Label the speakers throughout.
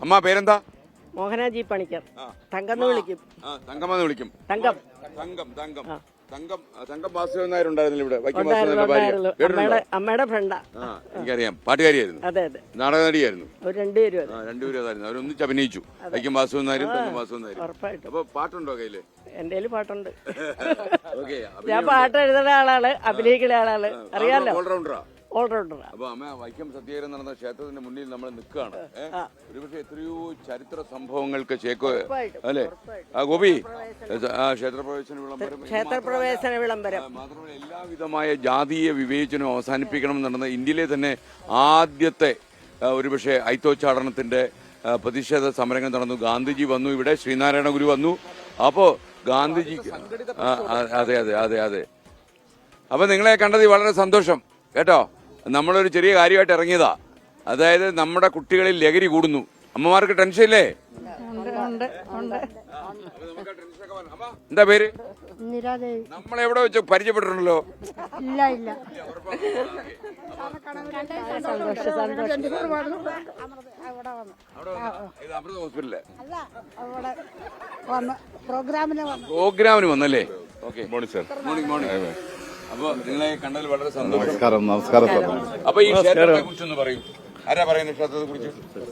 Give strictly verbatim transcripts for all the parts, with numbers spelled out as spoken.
Speaker 1: അമ്മ പേരെന്താ?
Speaker 2: മോഹനാജി പണിക്കർ. തങ്കന്ന് വിളിക്കും.
Speaker 1: തങ്കമെന്ന് വിളിക്കും.
Speaker 2: തങ്കം
Speaker 1: തങ്കം തങ്കം തങ്കം തങ്കം വാസുദേവൻ നായർ ഉണ്ടായിരുന്നില്ല ഇവിടെ?
Speaker 2: അമ്മയുടെ ഫ്രണ്ടാ.
Speaker 1: എനിക്കറിയാം, പാട്ടുകാരിയായിരുന്നു.
Speaker 2: അതെ അതെ,
Speaker 1: നാടക നടിയായിരുന്നു.
Speaker 2: രണ്ടുപേരും
Speaker 1: രണ്ടുപേരും അതായിരുന്നു. അവരൊന്നിച്ച് അഭിനയിച്ചു. വൈക്കം വാസുദേവൻ നായരും തങ്കം വാസുദേവൻ നായരും.
Speaker 2: ഉറപ്പായിട്ടും.
Speaker 1: അപ്പൊ പാട്ടുണ്ടോ കയ്യില്?
Speaker 2: എന്റെ പാട്ടുണ്ട്. ഞാൻ പാട്ട് എഴുതുന്ന ആളാണ്, അഭിനയിക്കുന്ന ആളാണ്. അറിയാലോ,
Speaker 1: ഓൾറൗണ്ടറാ.
Speaker 2: ഓൾറൗണ്ടറാ.
Speaker 1: അപ്പൊ അമ്മ വൈക്കം സത്യാഗ്രഹം നടന്ന ക്ഷേത്രത്തിന്റെ മുന്നിൽ നമ്മൾ നിൽക്കുകയാണ്. ഒരുപക്ഷെ എത്രയോ ചരിത്ര സംഭവങ്ങൾക്ക് ചേക്കോ അല്ലെ ആ ഗോപി ക്ഷേത്രപ്രവേശന വിളംബരം
Speaker 2: ക്ഷേത്രപ്രവേശന വിളംബരം
Speaker 1: മാത്രമല്ല എല്ലാവിധമായ ജാതീയ വിവേചനം അവസാനിപ്പിക്കണം നടന്ന ഇന്ത്യയിലെ തന്നെ ആദ്യത്തെ ഒരുപക്ഷെ ഐത്തോച്ചാടനത്തിന്റെ പ്രതിഷേധ സമരങ്ങൾ നടന്നു. ഗാന്ധിജി വന്നു ഇവിടെ, ശ്രീനാരായണ ഗുരു വന്നു. അപ്പോ ഗാന്ധിജി അതെ അതെ അതെ അതെ അപ്പൊ നിങ്ങളെ കണ്ടത് വളരെ സന്തോഷം കേട്ടോ. നമ്മളൊരു ചെറിയ കാര്യമായിട്ട് ഇറങ്ങിയതാ. അതായത് നമ്മുടെ കുട്ടികളിൽ ലഹരി കൂടുന്നു. അമ്മമാർക്ക് ടെൻഷൻ ഇല്ലേ? എന്താ പേര്? നമ്മളെവിടെ വെച്ച് പരിചയപ്പെട്ടിട്ടുണ്ടല്ലോ.
Speaker 3: ഇല്ല ഇല്ല
Speaker 1: അമൃത ഹോസ്പിറ്റലിലെ
Speaker 3: പ്രോഗ്രാമിന്
Speaker 1: വന്നല്ലേ? Okay, morning sir. Morning morning. അപ്പൊ നിങ്ങളെ കണ്ടതിൽ വളരെ സന്തോഷം.
Speaker 4: നമസ്കാരം. നമസ്കാരം സാർ.
Speaker 1: അപ്പൊ ഈ ക്ഷേത്രത്തെ കുറിച്ചൊന്ന് പറയൂ. ആരാ പറയുന്നത് ക്ഷേത്രത്തെ കുറിച്ച്?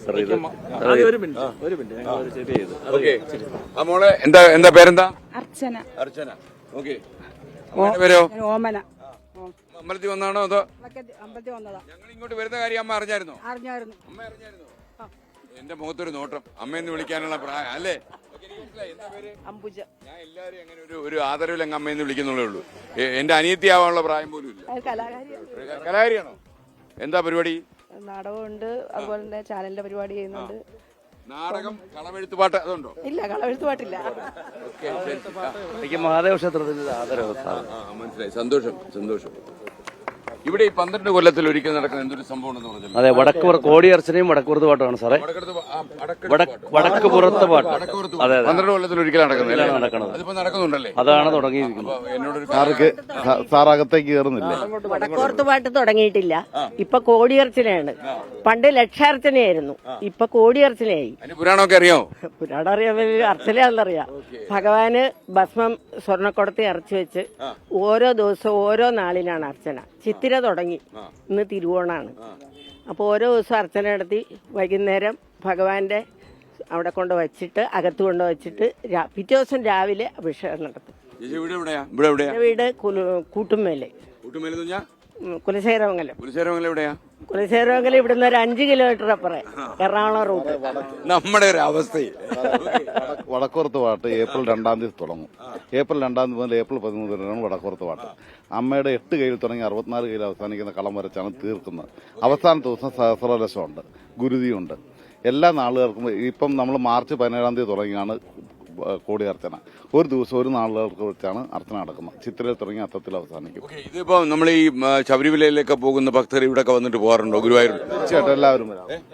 Speaker 1: ആ മോളെ എന്താ എന്താ പേരെന്താ?
Speaker 3: അർച്ചന.
Speaker 1: അർച്ചന. ഓക്കെ. പേരോ?
Speaker 3: ഓമന.
Speaker 1: അമ്പലത്തിൽ വന്നാണോ അതോ?
Speaker 3: അമ്പലത്തിൽ വന്നതാ.
Speaker 1: ഞങ്ങൾ ഇങ്ങോട്ട് വരുന്ന കാര്യം അമ്മ അറിഞ്ഞായിരുന്നോ?
Speaker 3: അറിഞ്ഞായിരുന്നു.
Speaker 1: അമ്മ അറിഞ്ഞായിരുന്നോ? എന്റെ മുഖത്തൊരു നോട്ടം, അമ്മയെന്ന് വിളിക്കാനുള്ള പ്രായം അല്ലേ?
Speaker 2: അംബുജ.
Speaker 1: ഞാൻ എല്ലാരും അങ്ങനെ ഒരു ഒരു ആദരവിൽ അങ്ങ് അമ്മയെന്ന് വിളിക്കുന്നുള്ളേ ഉള്ളൂ. എന്റെ അനിയത്തിയാവാനുള്ള പ്രായം പോലും ഇല്ല. കലാകാരിയാണോ? എന്താ പരിപാടി?
Speaker 2: നാടകമുണ്ട്, അതുപോലെ തന്നെ ചാനലിന്റെ പരിപാടി ചെയ്യുന്നുണ്ട്.
Speaker 1: നാടകം, കളമെഴുത്ത് പാട്ട് അതുണ്ടോ?
Speaker 2: ഇല്ല, കളമെഴുത്ത് പാട്ടില്ല.
Speaker 5: എനിക്ക് മഹാദേവ ക്ഷേത്രത്തിന്റെ ആദരവ്.
Speaker 1: മനസ്സിലായി. സന്തോഷം സന്തോഷം. ഇവിടെ ഈ പന്ത്രണ്ട് കൊല്ലത്തിൽ ഒരിക്കൽ നടക്കുന്ന എന്തൊരു സംഭവം ഉണ്ടെന്ന് പറഞ്ഞല്ലോ.
Speaker 5: അതെ, വടക്ക് കോടിയർച്ചനയും വടക്കുപുറത്ത് പാട്ടാണ് സാറേ. വടക്ക് പുറത്ത് പാട്ട്. അതെ,
Speaker 1: പന്ത്രണ്ട് കൊല്ലത്തിൽ ഒരിക്കൽ നടക്കുന്നത്
Speaker 5: നടക്കുന്നത്.
Speaker 1: അതിപ്പോ നടക്കുന്നുണ്ടല്ലേ?
Speaker 5: അതാണ് തുടങ്ങിയിരിക്കുന്നത്.
Speaker 1: എന്നോടൊരു
Speaker 4: സാറകത്തേക്ക് കയറുന്നില്ല.
Speaker 2: വടക്കോർത്ത് പാട്ട് തുടങ്ങിയിട്ടില്ല. ഇപ്പൊ കോടിയർച്ചനയാണ്. പണ്ട് ലക്ഷാർച്ചനയായിരുന്നു, ഇപ്പൊ കോടിയർച്ചനയായി.
Speaker 1: പുരാണമൊക്കെ അറിയാമോ?
Speaker 2: പുരാണം അറിയാൻ അർച്ചനയാണെന്നറിയാം. ഭഗവാന് ഭസ്മം സ്വർണ്ണക്കുടത്തി അരച്ചു വെച്ച് ഓരോ ദിവസവും ഓരോ നാളിനാണ് അർച്ചന. ചിത്തിര തുടങ്ങി, ഇന്ന് തിരുവോണാണ്. അപ്പോൾ ഓരോ ദിവസം അർച്ചന നടത്തി വൈകുന്നേരം ഭഗവാന്റെ അവിടെ കൊണ്ട് വച്ചിട്ട് അകത്ത് കൊണ്ട് വച്ചിട്ട് പിറ്റേ ദിവസം രാവിലെ അഭിഷേകം നടത്തും. വീട് കൂട്ടുമേലെ, കുലശേഖരമംഗലം.
Speaker 1: കുലശേഖരമംഗലം എവിടെയാ?
Speaker 2: കുലശേഖരമംഗലം ഇവിടുന്ന് ഒരു അഞ്ച് കിലോമീറ്റർ അപ്പുറം, എറണാകുളം റൂട്ട്.
Speaker 1: നമ്മുടെ ഒരു അവസ്ഥ.
Speaker 4: വടക്കുറത്ത് പാട്ട് ഏപ്രിൽ രണ്ടാം തീയതി തുടങ്ങും. ഏപ്രിൽ രണ്ടാം തീയതി മുതൽ ഏപ്രിൽ പതിമൂന്ന് വരെയാണ് വടക്കുറത്ത് പാട്ട്. അമ്മയുടെ എട്ട് കയ്യിൽ തുടങ്ങി അറുപത്തിനാല് കയ്യിൽ അവസാനിക്കുന്ന കളം വരച്ചാണ് തീർക്കുന്നത്. അവസാന ദിവസം സഹസ്രലക്ഷമുണ്ട്, ഗുരുതിയുണ്ട്. എല്ലാ നാളുകൾക്കും ഇപ്പം നമ്മൾ മാർച്ച് പതിനേഴാം തീയതി തുടങ്ങിയാണ് കോടിയർച്ചന. ഒരു ദിവസം ഒരു നാളുകൾക്ക് വെച്ചാണ് അർച്ചന നടക്കുന്നത്. ചിത്രയിൽ തുടങ്ങി അത്തത്തിൽ അവസാനിക്കും.
Speaker 1: ഇതിപ്പോ നമ്മൾ ഈ ശബരിമലയിലേക്ക് പോകുന്ന ഭക്തർ ഇവിടെ വന്നിട്ട് പോകാറുണ്ടോ? ഗുരുവായൂർ
Speaker 4: തീർച്ചയായിട്ടും എല്ലാവരും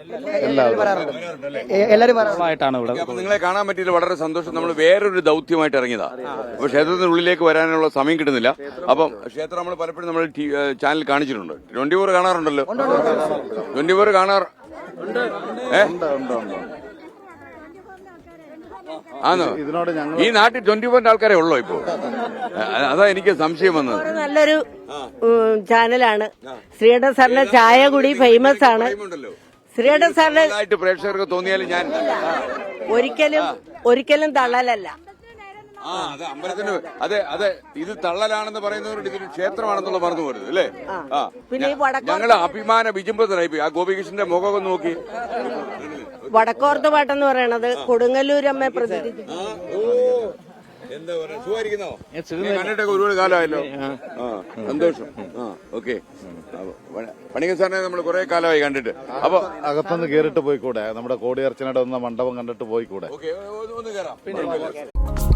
Speaker 5: എല്ലാവരുമായിട്ടാണ് ഇവിടെ.
Speaker 1: അപ്പൊ നിങ്ങളെ കാണാൻ പറ്റിയില്ല, വളരെ സന്തോഷം. നമ്മൾ വേറൊരു ദൗത്യമായിട്ട് ഇറങ്ങിയതാ. അപ്പൊ ക്ഷേത്രത്തിനുള്ളിലേക്ക് വരാനുള്ള സമയം കിട്ടുന്നില്ല. അപ്പം ക്ഷേത്രം നമ്മൾ പലപ്പോഴും നമ്മൾ ചാനൽ കാണിച്ചിട്ടുണ്ട്. ട്വന്റി ഫോർ കാണാറുണ്ടല്ലോ? ട്വന്റി ഫോർ കാണാറ് ആണോ? ഈ നാട്ടിൽ ട്വന്റി ഫോറിന്റെ ആൾക്കാരെ ഉള്ളോ ഇപ്പോ? അതാ എനിക്ക് സംശയം വന്നത്.
Speaker 2: നല്ലൊരു ചാനലാണ്. ശ്രീധർ സാറിന്റെ ചായ കൂടി ഫേമസ് ആണ്. ശ്രീധർ സാറിന്റെ
Speaker 1: പ്രേക്ഷകർക്ക് തോന്നിയാലും ഞാൻ
Speaker 2: ഒരിക്കലും ഒരിക്കലും തള്ളലല്ല.
Speaker 1: ആ അതെ, അമ്പലത്തിന് അതെ അതെ ഇത് തള്ളലാണെന്ന് പറയുന്നവരുടെ ഇതൊരു ക്ഷേത്രമാണെന്നുള്ള പറഞ്ഞു പോരുത് അല്ലേ? ആ
Speaker 2: പിന്നെ
Speaker 1: ഞങ്ങള് അഭിമാന വിജുംബത്തിലായി. ആ ഗോപികൃഷ്ണന്റെ മുഖമൊക്കെ നോക്കി.
Speaker 2: വടക്കോർത്ത് പാട്ടെന്ന് പറയണത് കൊടുങ്ങല്ലൂരമ്മയെ പ്രതിനിധി.
Speaker 1: എന്താ പറയാ, സുഖമായിരിക്കുന്നോ? കണ്ടിട്ടൊക്കെ ഒരുപാട് കാലമായല്ലോ. ആ സന്തോഷം. ആ ഓക്കെ. പണിക്കർ സാറിനെ നമ്മൾ കുറെ കാലമായി കണ്ടിട്ട്. അപ്പൊ
Speaker 4: അകത്തൊന്ന് കേറിട്ട് പോയിക്കൂടെ? നമ്മുടെ കോടിയർച്ചനയുടെ ഒന്ന് മണ്ഡപം കണ്ടിട്ട് പോയിക്കൂടെ?
Speaker 1: ഓക്കെ, ഒന്ന് കയറാം.